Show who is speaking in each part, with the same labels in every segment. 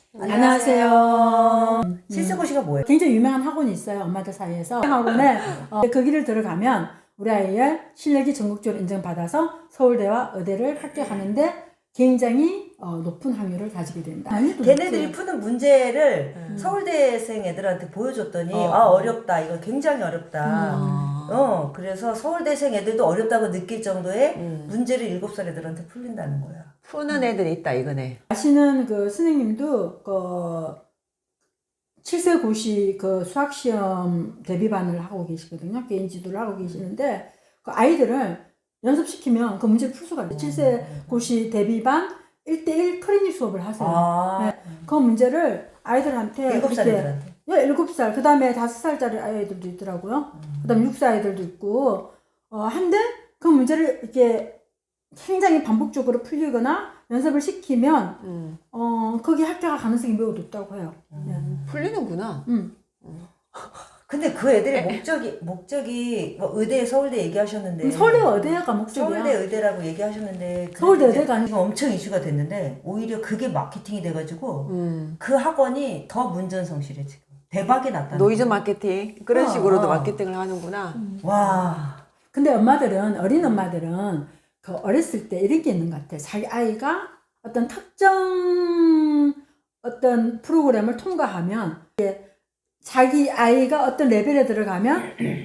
Speaker 1: 안녕하세요.
Speaker 2: 칠세고시가 뭐예요?
Speaker 1: 굉장히 유명한 학원이 있어요. 엄마들 사이에서. 학원에 그 길을 들어가면 우리 아이의 실력이 전국적으로 인정받아서 서울대와 의대를 합격하는데 굉장히 높은 확률을 가지게 된다.
Speaker 2: 걔네들이 푸는 문제를 서울대생 애들한테 보여줬더니 어렵다. 이거 굉장히 어렵다. 그래서 서울대생 애들도 어렵다고 느낄 정도의 문제를 7살 애들한테 풀린다는 거야.
Speaker 3: 푸는 애들이 있다 이거네.
Speaker 1: 아시는 그 선생님도 그 7세 고시 그 수학시험 대비반을 하고 계시거든요. 개인 지도를 하고 계시는데 그 아이들을 연습시키면 그 문제를 풀 수가 있어요. 7세 고시 대비반 1대1 클리닉 수업을 하세요. 네. 그 문제를 아이들한테
Speaker 2: 7살 애들한테.
Speaker 1: 7살, 그 다음에 5살짜리 아이들도 있더라고요. 그 다음에 6살 아이들도 있고, 한데 그 문제를 이렇게 굉장히 반복적으로 풀리거나 연습을 시키면, 거기 합격할 가능성이 매우 높다고 해요.
Speaker 3: 풀리는구나.
Speaker 2: 근데 그 애들의 목적이 뭐 의대, 서울대 얘기하셨는데.
Speaker 1: 서울대가 의대가 목적이야.
Speaker 2: 서울대 의대라고 얘기하셨는데.
Speaker 1: 서울대 의대가 아니고.
Speaker 2: 지금 엄청 이슈가 됐는데, 오히려 그게 마케팅이 돼가지고, 그 학원이 더 문전성실해, 지금. 대박이 났다.
Speaker 3: 노이즈 마케팅. 그런 식으로도 마케팅을 하는구나.
Speaker 2: 와.
Speaker 1: 근데 어린 엄마들은 그 어렸을 때 이런 게 있는 것 같아. 자기 아이가 어떤 특정 어떤 프로그램을 통과하면 자기 아이가 어떤 레벨에 들어가면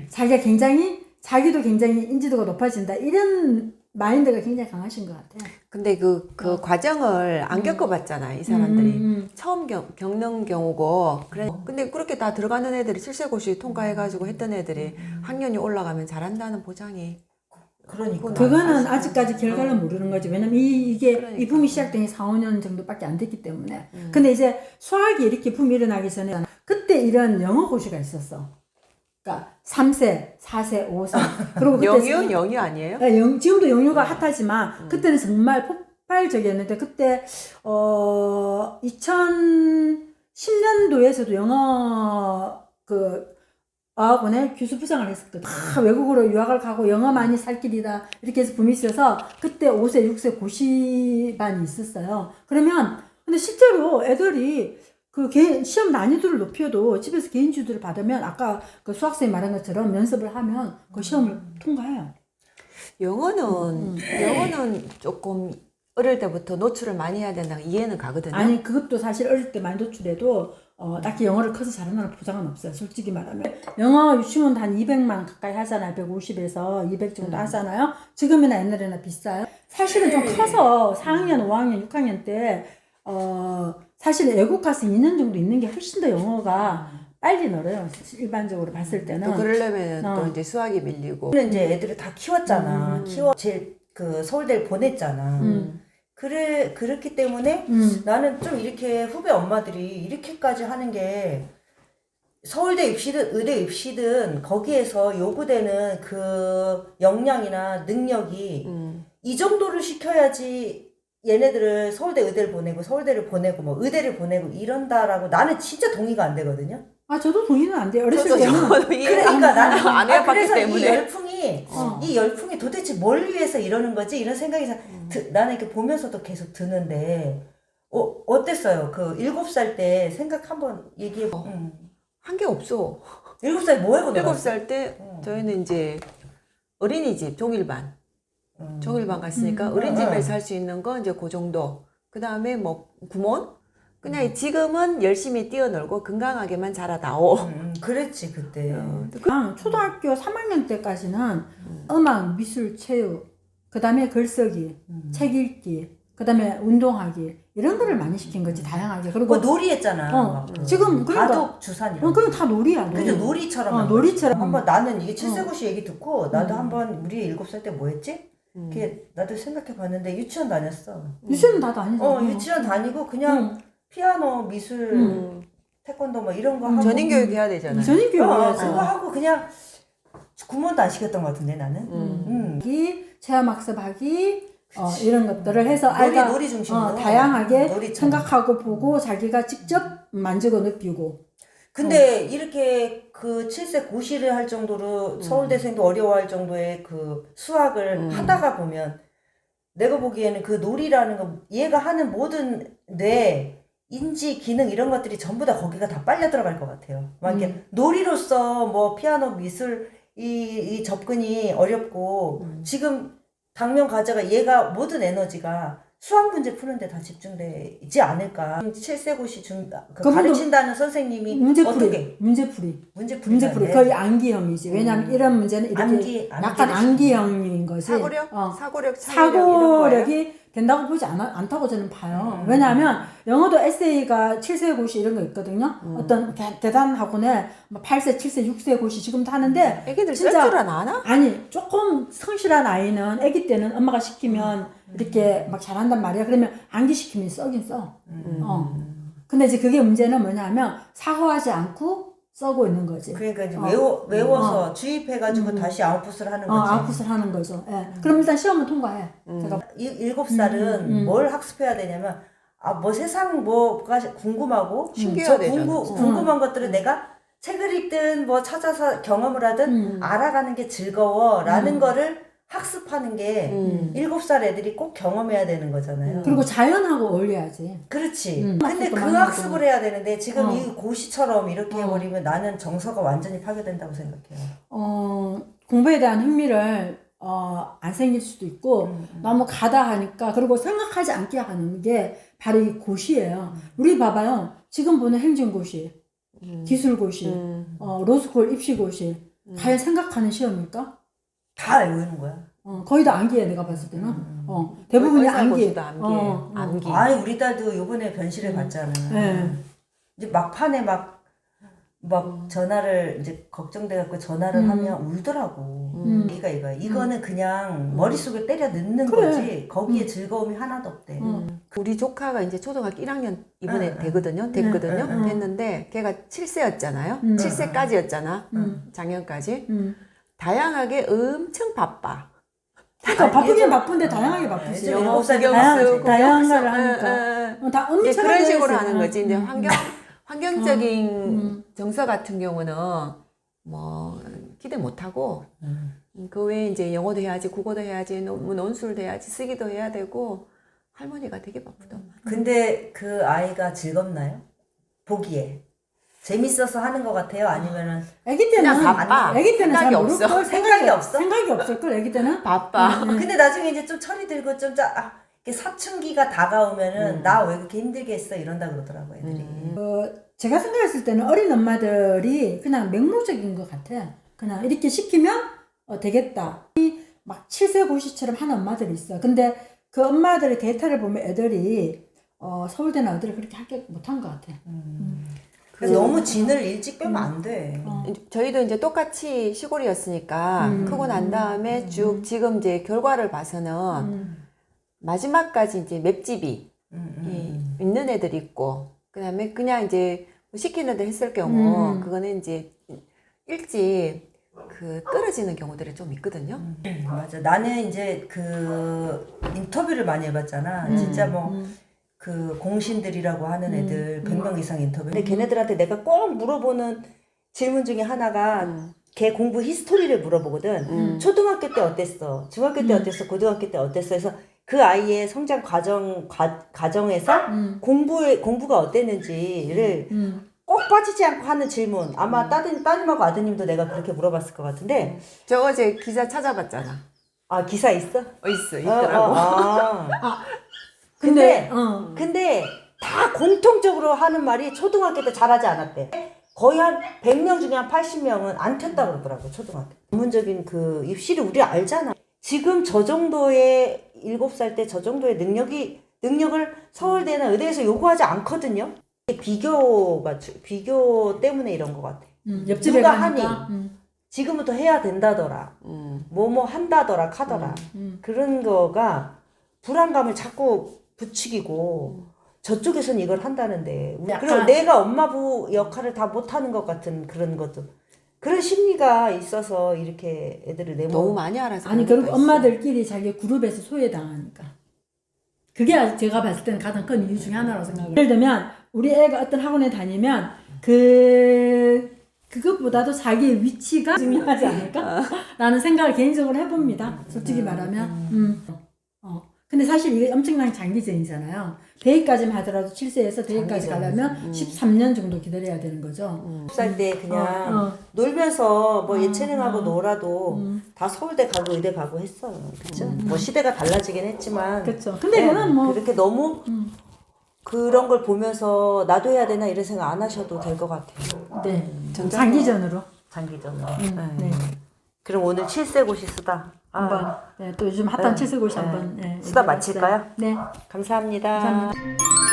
Speaker 1: 자기도 굉장히 인지도가 높아진다. 이런 마인드가 굉장히 강하신 것 같아요.
Speaker 3: 근데 그 과정을 안 겪어봤잖아, 이 사람들이. 처음 겪는 경우고. 근데 그렇게 다 들어가는 애들이 7세고시 통과해가지고 했던 애들이 학년이 올라가면 잘한다는 보장이.
Speaker 2: 그러니까.
Speaker 1: 그거는 아직까지 결과를 모르는 거지. 왜냐면 이 붐이 시작된 게 4, 5년 정도밖에 안 됐기 때문에. 근데 이제 수학이 이렇게 붐이 일어나기 전에 그때 이런 영어 고시가 있었어. 그러니까 3세, 4세, 5세. 그리고 그때
Speaker 3: 영유 아니에요?
Speaker 1: 네, 지금도 영유가 핫하지만 그때는 정말 폭발적이었는데 그때 2010년도에서도 영어 어학원에 교수부장을 했었거든. 다 외국으로 유학을 가고 영어 많이 살 길이다 이렇게 해서 붐이 있어서 그때 5세, 6세 고시반이 있었어요. 근데 실제로 애들이 그 시험 난이도를 높여도 집에서 개인 주도를 받으면 아까 그 수학생이 말한 것처럼 연습을 하면 그 시험을 통과해요.
Speaker 3: 영어는 조금 어릴 때부터 노출을 많이 해야 된다는 이해는 가거든요.
Speaker 1: 아니 그것도 사실 어릴 때 많이 노출해도 딱히 영어를 커서 잘한다는 보장은 없어요. 솔직히 말하면 영어 유치원 한 200만 가까이 하잖아요. 150에서 200 정도 하잖아요. 지금이나 옛날에나 비싸요. 사실은 좀 커서 4학년, 5학년, 6학년 때 사실 외국 가서 2년 정도 있는 게 훨씬 더 영어가 빨리 늘어요. 일반적으로 봤을 때는.
Speaker 3: 또 그러려면 또 이제 수학이 밀리고.
Speaker 2: 이제 애들을 다 키웠잖아. 그 서울대를 보냈잖아. 그렇기 때문에 나는 좀 이렇게 후배 엄마들이 이렇게까지 하는 게 서울대 입시든 의대 입시든 거기에서 요구되는 그 역량이나 능력이 이 정도를 시켜야지 얘네들을 서울대 의대를 보내고 서울대를 보내고 뭐 의대를 보내고 이런다라고 나는 진짜 동의가 안 되거든요.
Speaker 1: 저도 동의는 안 돼요. 어렸을 때는.
Speaker 2: 그러니까 나는
Speaker 3: 안 해봤기
Speaker 2: 그래서
Speaker 3: 때문에.
Speaker 2: 이 열풍이 도대체 뭘 위해서 이러는 거지? 이런 생각이 나는 이렇게 보면서도 계속 드는데, 어땠어요? 그 7살 때 생각 한번 얘기해봐.
Speaker 3: 한 게 없어.
Speaker 2: 7살 뭐 하고 놀았어?
Speaker 3: 7살 때 저희는 이제 어린이집 종일반 갔으니까 어린이집에서 할 수 있는 거 이제 그 정도. 그 다음에 뭐 구몬? 그냥 지금은 열심히 뛰어놀고 건강하게만 자라다오.
Speaker 2: 그랬지 그때.
Speaker 1: 초등학교 3학년 때까지는 음악, 미술, 체육, 그 다음에 글쓰기, 책 읽기, 그 다음에 운동하기 이런 거를 많이 시킨 거지 다양하게. 그리고
Speaker 2: 놀이 했잖아.
Speaker 1: 지금
Speaker 2: 바둑, 주산 이런.
Speaker 1: 그럼 다 놀이야.
Speaker 2: 그죠, 놀이처럼.
Speaker 1: 놀이처럼.
Speaker 2: 한번 나는 이게 7세고시 얘기 듣고 나도 한번 우리 7살 때 뭐 했지? 나도 생각해 봤는데 유치원 다녔어.
Speaker 1: 유치원 다 다니죠.
Speaker 2: 유치원 다니고 그냥 피아노, 미술, 태권도 뭐 이런 거 하고.
Speaker 3: 전인교육 해야 되잖아요.
Speaker 1: 전인교육이야죠.
Speaker 2: 그거 하고 그냥 구몬도 안 시켰던 것 같은데 나는.
Speaker 1: 체험학습하기 이런 것들을 해서 아이가
Speaker 2: 놀이 중심으로
Speaker 1: 다양하게
Speaker 2: 놀이처럼.
Speaker 1: 생각하고 보고 자기가 직접 만지고 느끼고.
Speaker 2: 근데 이렇게 그 7세 고시를 할 정도로 서울대생도 어려워할 정도의 그 수학을 하다가 보면 내가 보기에는 그 놀이라는 거 얘가 하는 모든 인지, 기능 이런 것들이 전부 다 거기가 다 빨려 들어갈 것 같아요. 막 이렇게 놀이로서 뭐 피아노 미술 이 접근이 어렵고 지금 당면 과제가 얘가 모든 에너지가 수학 문제 푸는데 다 집중되지 않을까. 7세 고시
Speaker 1: 그분도
Speaker 2: 가르친다는 선생님이 어떻게
Speaker 1: 문제풀이 거의 암기형이지. 왜냐하면 이런 문제는 이렇게 약간 암기형인 거지. 사고력이 된다고 보지 않다고 저는 봐요. 왜냐하면 영어도 에세이가 7세 고시 이런 거 있거든요. 어떤 대단한 학원에 8세, 7세, 6세 고시 지금도 하는데
Speaker 3: 애기들 쓸 줄 아나?
Speaker 1: 아니 조금 성실한 아이는 애기 때는 엄마가 시키면 이렇게 막 잘한단 말이야. 그러면 암기시키면 써긴 써. 근데 이제 그게 문제는 뭐냐면 사고하지 않고 써고 있는 거지.
Speaker 2: 그러니까 이제 외워서 주입해가지고 다시 아웃풋을 하는 거지.
Speaker 1: 아웃풋을 하는 거죠. 예. 그럼 일단 시험은 통과해. 제가
Speaker 2: 7살은 뭘 학습해야 되냐면 뭐 세상 뭐가 궁금하고
Speaker 3: 신기해야 되잖아.
Speaker 2: 궁금한 것들을 내가 책을 읽든 뭐 찾아서 경험을 하든 알아가는 게 즐거워라는 거를 학습하는 게 7살 애들이 꼭 경험해야 되는 거잖아요.
Speaker 1: 그리고 자연하고 어울려야지.
Speaker 2: 그렇지. 근데 그 학습을 해야 되는데 지금 이 고시처럼 이렇게 해버리면 나는 정서가 완전히 파괴된다고 생각해요.
Speaker 1: 공부에 대한 흥미를 안 생길 수도 있고 너무 가다 하니까 그리고 생각하지 않게 하는 게 바로 이 고시예요. 우리 봐봐요. 지금 보는 행정고시, 기술고시, 로스쿨 입시고시 과연 생각하는 시험일까?
Speaker 2: 다 외우는 거야.
Speaker 1: 거의 다 암기해 내가 봤을 때는. 대부분이 암기.
Speaker 3: 암기.
Speaker 2: 아니 우리 딸도 요번에 변실을 봤잖아. 이제 막판에 막 전화를 이제 걱정돼갖고 전화를 하면 울더라고. 이거야. 이거는 그냥 머릿속에 때려 넣는 거지. 거기에 즐거움이 하나도 없대.
Speaker 3: 우리 조카가 이제 초등학교 1학년 이번에 됐거든요. 됐는데 걔가 7세였잖아요. 7세까지였잖아. 작년까지. 다양하게 엄청 바빠.
Speaker 1: 그러니까 바쁘긴 바쁜데 다양하게 바쁘지.
Speaker 3: 영어 구경 쓰고
Speaker 1: 다양한 걸 하니까. 다 엄청
Speaker 3: 그런 식으로 하는 거지. 근데 환경적인 정서 같은 경우는 뭐 기대 못 하고 그 외에 이제 영어도 해야지, 국어도 해야지, 논술도 해야지, 쓰기도 해야 되고 할머니가 되게 바쁘더만.
Speaker 2: 근데 그 아이가 즐겁나요? 보기에. 재밌어서 하는 것 같아요? 아니면은
Speaker 1: 애기 때는
Speaker 3: 바빠.
Speaker 1: 애기 때는 잘 모를
Speaker 3: 없어.
Speaker 1: 걸
Speaker 2: 생각이 없어?
Speaker 1: 생각이 없을 걸 애기 때는
Speaker 3: 바빠.
Speaker 2: 근데 나중에 이제 좀 철이 들고 좀 이렇게 사춘기가 다가오면은 나 왜 그렇게 힘들게 했어 이런다 그러더라고 애들이.
Speaker 1: 제가 생각했을 때는 어린 엄마들이 그냥 맹목적인 것 같아. 그냥 이렇게 시키면 되겠다. 막 7세 고시처럼 하는 엄마들이 있어. 근데 그 엄마들의 데이터를 보면 애들이 서울대나 어디를 그렇게 학교 못한 것 같아.
Speaker 2: 그래서 너무 진을 일찍 빼면 안 돼.
Speaker 3: 저희도 이제 똑같이 시골이었으니까 크고 난 다음에 쭉 지금 이제 결과를 봐서는 마지막까지 이제 맵집이 있는 애들이 있고 그다음에 그냥 이제 시키는 데 했을 경우 그거는 이제 일찍 떨어지는 경우들이 좀 있거든요.
Speaker 2: 맞아. 나는 이제 그 인터뷰를 많이 해봤잖아. 진짜 뭐 그 공신들이라고 하는 애들 100명 이상 인터뷰. 근데 걔네들한테 내가 꼭 물어보는 질문 중에 하나가 걔 공부 히스토리를 물어보거든. 초등학교 때 어땠어? 중학교 때 어땠어? 고등학교 때 어땠어? 해서 그 아이의 성장 과정에서 공부가 어땠는지를 꼭 빠지지 않고 하는 질문. 아마 따님하고 아드님도 내가 그렇게 물어봤을 것 같은데.
Speaker 3: 저 어제 기사 찾아봤잖아.
Speaker 2: 아, 기사 있어?
Speaker 3: 있더라고.
Speaker 2: 근데 다 공통적으로 하는 말이 초등학교 때 잘하지 않았대. 거의 한 100명 중에 한 80명은 안 텄다고 그러더라고, 초등학교. 전문적인 그 입시를 우리 알잖아. 지금 저 정도의 7살 때 저 정도의 능력을 서울대나 의대에서 요구하지 않거든요. 비교 때문에 이런 것 같아.
Speaker 1: 옆집에
Speaker 2: 누가
Speaker 1: 가니까.
Speaker 2: 하니? 지금부터 해야 된다더라. 뭐뭐 한다더라, 카더라. 그런 거가 불안감을 자꾸 부추기고 저쪽에서는 이걸 한다는데 그리고 내가 엄마부 역할을 다 못하는 것 같은 그런 것도 그런 심리가 있어서 이렇게 애들을
Speaker 3: 너무 많이 알아서
Speaker 1: 아니 그리고 엄마들끼리 자기 그룹에서 소외당하니까 그게 제가 봤을 때는 가장 큰 이유 중에 하나라고 생각해요. 예를 들면 우리 애가 어떤 학원에 다니면 그것보다도 자기의 위치가 중요하지 않을까? 라는 생각을 개인적으로 해봅니다. 솔직히 말하면 근데 사실 이게 엄청난 장기전이잖아요. 대학까지만 하더라도 7세에서 대학까지
Speaker 2: 장기전이지.
Speaker 1: 가려면 13년 정도 기다려야 되는 거죠.
Speaker 2: 10살 때 그냥 놀면서 뭐 예체능하고 놀아도 다 서울대 가고 의대 가고 했어요. 그쵸? 뭐 시대가 달라지긴 했지만.
Speaker 1: 그렇죠. 근데 그건 뭐
Speaker 2: 그렇게 너무 그런 걸 보면서 나도 해야 되나 이런 생각 안 하셔도 될 것 같아요.
Speaker 1: 네, 장기전으로
Speaker 2: 장기전으로.
Speaker 1: 네.
Speaker 2: 그럼 오늘 7세 고시 쓰다.
Speaker 1: 한번 네, 또 요즘 핫한 칠세고시 한번
Speaker 2: 쓰다 마칠까요?
Speaker 1: 네.
Speaker 2: 감사합니다.
Speaker 1: 감사합니다.